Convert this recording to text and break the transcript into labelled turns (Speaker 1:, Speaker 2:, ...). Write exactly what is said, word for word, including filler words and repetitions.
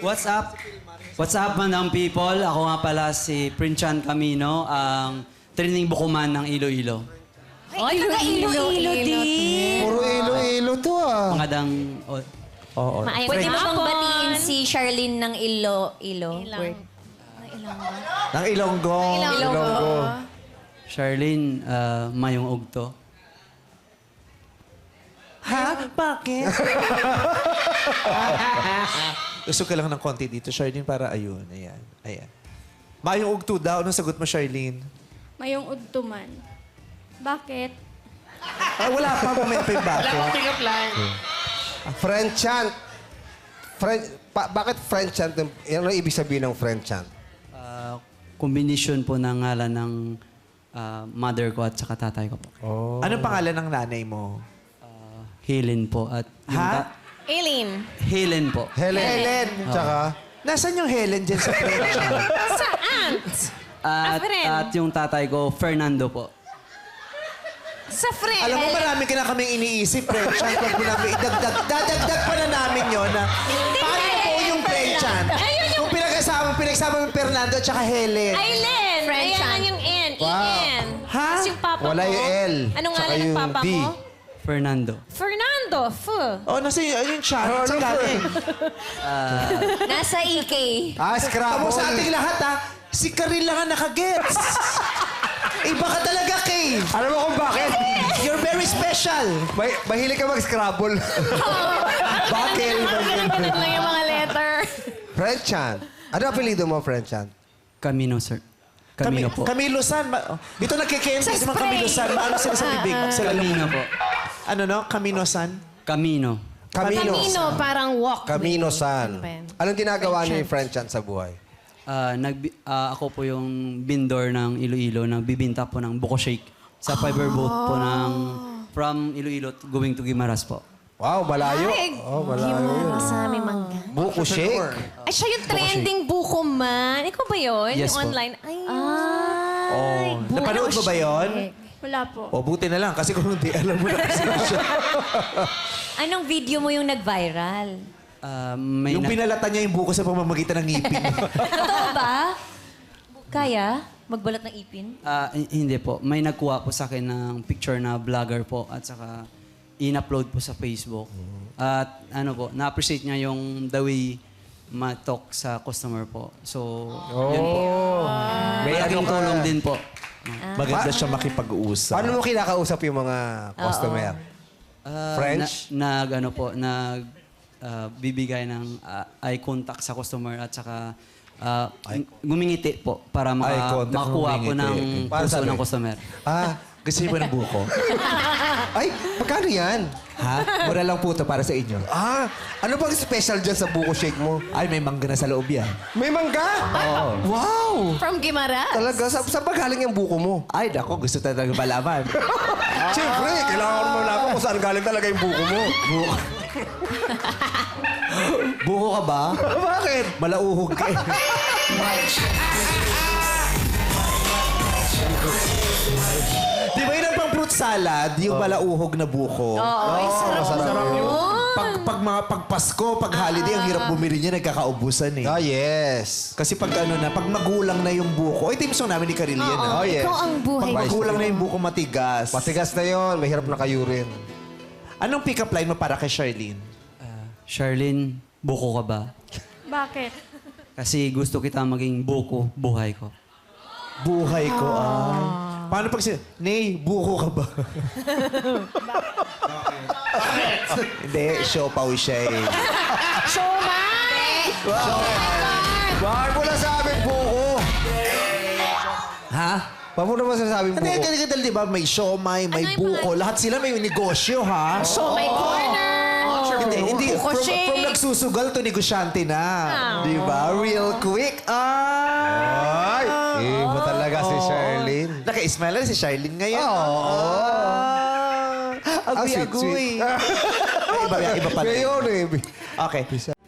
Speaker 1: What's up? What's up, Mandang people? Ako nga pala si Princhan Camino, ang training bukuman ng Iloilo.
Speaker 2: Ay, Iloilo din.
Speaker 3: Puro ilo-ilo to ah.
Speaker 1: Pangadang... Oh,
Speaker 3: Oo.
Speaker 2: Maayos.
Speaker 4: Pwede mo bang
Speaker 2: Hapon.
Speaker 4: batiin si Charlene ng Ilo? Ilo?
Speaker 2: Ilang.
Speaker 4: Word.
Speaker 3: Ng Ilonggo.
Speaker 4: Ilonggo.
Speaker 1: Charlene, uh, mayong ugto.
Speaker 3: Ha? Bakit? Gusto ka lang ng konti dito, Charlene, para ayun. Ayan. Ayan. Mayong ugto daw. Anong sagot mo, Charlene?
Speaker 5: Mayong udtuman. Bakit?
Speaker 3: Ah, wala pa. Mamaya pa yung bakit.
Speaker 6: French chant. French, pa, bakit French chant? Ano ang ibig sabihin ng French chant?
Speaker 1: Uh, combination po ng ngalan ng uh, mother ko at saka tatay ko po.
Speaker 3: Anong pangalan ng nanay mo?
Speaker 1: Uh, Helen po. At yung
Speaker 3: Ha?
Speaker 1: ta-
Speaker 4: Aileen.
Speaker 1: Helen po.
Speaker 6: Helen.
Speaker 3: Helen.
Speaker 6: Tsaka?
Speaker 3: Nasaan yung Helen dyan sa French?
Speaker 4: Sa aunt.
Speaker 1: At,
Speaker 4: friend.
Speaker 1: at yung tatay ko, Fernando po.
Speaker 4: Sa friend.
Speaker 3: Alam mo, marami ka na kaming iniisip, French. Huwag mo namin idagdag. Dadagdag pa na namin yun na paano po yung French?
Speaker 4: Ayun yung...
Speaker 3: Kung pinagsama, pinagsama mo yung Fernando at saka Helen.
Speaker 4: Aileen.
Speaker 5: French
Speaker 4: Ayan
Speaker 5: aunt.
Speaker 4: yung N.
Speaker 6: Wow.
Speaker 4: I-N.
Speaker 3: Ha?
Speaker 4: Tapos yung papa
Speaker 6: Wala
Speaker 4: mo.
Speaker 6: yung L.
Speaker 4: Anong
Speaker 6: Tsaka
Speaker 4: nga ng
Speaker 6: yung
Speaker 4: papa
Speaker 6: D.
Speaker 4: mo?
Speaker 1: Fernando.
Speaker 4: Fernando. F.
Speaker 3: Oh, nasa yung, yung chat. Sa galing.
Speaker 4: Nasa E K.
Speaker 6: Ah, Scrabble.
Speaker 3: Tamo sa ating lahat, ha? Si Karil lang ang nakagets. Iba ka talaga, Kay.
Speaker 6: Alam mo kung bakit?
Speaker 3: You're very special.
Speaker 6: May, mahilig ka mag-Scrabble.
Speaker 3: Bakit?
Speaker 4: Ganun lang yung mga letter.
Speaker 6: French chant. Ano ang apelido mo, French chant?
Speaker 1: Camino, sir. Camino po.
Speaker 3: Camilo San. Ma- oh, Dito nagkikente
Speaker 4: Sa
Speaker 3: si mga
Speaker 4: spray.
Speaker 3: Camilo San. Ano sila sa bibig? Sila
Speaker 1: Camino po.
Speaker 3: Ano no? Camino San?
Speaker 1: Camino.
Speaker 6: Camino.
Speaker 4: Camino, parang walk.
Speaker 6: Camino San.
Speaker 4: Ano ba yan?
Speaker 6: Anong ginagawa niyo yung French chant sa buhay?
Speaker 1: Ah, nagbi- ah, ako po yung vendor ng Iloilo, nagbibinta po ng buko shake sa fiber boat po ng from Iloilo to- going to Guimaras po.
Speaker 6: Wow, malayo.
Speaker 4: Ay,
Speaker 6: Oh, malayo yun.
Speaker 4: sa aming mangga.
Speaker 6: Buko shake.
Speaker 4: Ay, siya yung trending buko man. Ikaw ba yun?
Speaker 1: Yes
Speaker 4: yung
Speaker 1: po.
Speaker 4: online? Ay,
Speaker 3: Oh. Napanood mo ba yon?
Speaker 5: Wala po.
Speaker 3: O, buti na lang. Kasi kung hindi, alam mo na kasi siya.
Speaker 4: Anong video mo yung nag-viral?
Speaker 1: Ah, may
Speaker 3: Yung
Speaker 1: na-
Speaker 3: pinalatan niya yung buko sa pamamagitan ng ngipin.
Speaker 4: Totoo ba? Kaya? Magbalat ng ipin?
Speaker 1: Ah, hi- hindi po. May nagkuha po sa akin ng picture na vlogger po at saka in-upload po sa Facebook. At ano po, na-appreciate niya yung the way ma-talk sa customer po. So, yun po.
Speaker 6: May
Speaker 1: Malaking
Speaker 6: ano ka-
Speaker 1: tulong din po.
Speaker 3: Maganda siya makipag-uusap.
Speaker 6: Paano mo kinakausap yung mga customer?
Speaker 1: Ah,
Speaker 6: French?
Speaker 1: Na, nag, ano po, nag ah, bibigay ng ah, eye contact sa customer at saka ah, gumingiti po para
Speaker 3: Eye
Speaker 1: maka,
Speaker 3: contact,
Speaker 1: makakuha po ng
Speaker 3: gumingiti.
Speaker 6: Para
Speaker 1: puso
Speaker 6: sabi?
Speaker 1: ng customer.
Speaker 3: Ah, gusto niyo ba ng buko?
Speaker 6: Ay, magkano yan?
Speaker 3: Ha? Mura lang po ito para sa inyo.
Speaker 6: Ah, ano bang special dyan sa buko shake mo?
Speaker 3: Ay, may mangga na sa loob yan.
Speaker 6: May mangga? Wow!
Speaker 4: From Guimaras?
Speaker 6: Talaga, sa, saan ba galing yung buko mo?
Speaker 3: Ay, nako, gusto talaga malaman.
Speaker 6: Siyempre, kailangan mo malaman kung saan galing talaga yung buko mo.
Speaker 3: Buko. Buko ka ba?
Speaker 6: Bakit?
Speaker 3: Malauhog ka eh. Di ba yun ang pang fruit salad? Yung malauhog na buko.
Speaker 4: Oo, ay sarap nun.
Speaker 3: Pag, pag mga pagpasko, pag holiday, ang hirap bumili niya, nagkakaubusan eh.
Speaker 6: Ah, yes.
Speaker 3: Kasi pag ano na, pag magulang na yung buko, ay, team song namin ni Karil yan ah.
Speaker 6: Oh, yes.
Speaker 4: Ikaw ang buhay.
Speaker 3: Pag magulang na yung buko, matigas.
Speaker 6: Matigas na yon, mahirap na kayo rin.
Speaker 3: Anong pick-up line mo para kay Charlene?
Speaker 1: Ah, Charlene, buko ka ba?
Speaker 5: Bakit?
Speaker 1: Kasi gusto kita maging buko, buhay ko.
Speaker 3: Buhay ko, ah. Paano pag si... Nay, buko ka ba? Hindi, siopaw siya eh.
Speaker 6: Bakit mo na sabing buko?
Speaker 3: Ha?
Speaker 6: Bakit mo naman sasabing
Speaker 3: Hindi,
Speaker 6: buko?
Speaker 3: hindi, hindi, di ba? May siomay, may
Speaker 4: Ano yung
Speaker 3: buko. Lahat sila may negosyo, ha?
Speaker 4: So, may corner.
Speaker 3: Hindi, hindi.
Speaker 4: Buko
Speaker 3: From,
Speaker 4: shake.
Speaker 3: from nagsusugal to negosyante na. Di ba? Real quick. Ah!
Speaker 6: Ay, iba talaga si Charlene.
Speaker 3: Naka-smile na si Charlene ngayon. Ah,
Speaker 6: Ah, sweet,
Speaker 3: agoy-agoy. iba, iba pa rin.
Speaker 6: Ngayon eh.
Speaker 3: Okay.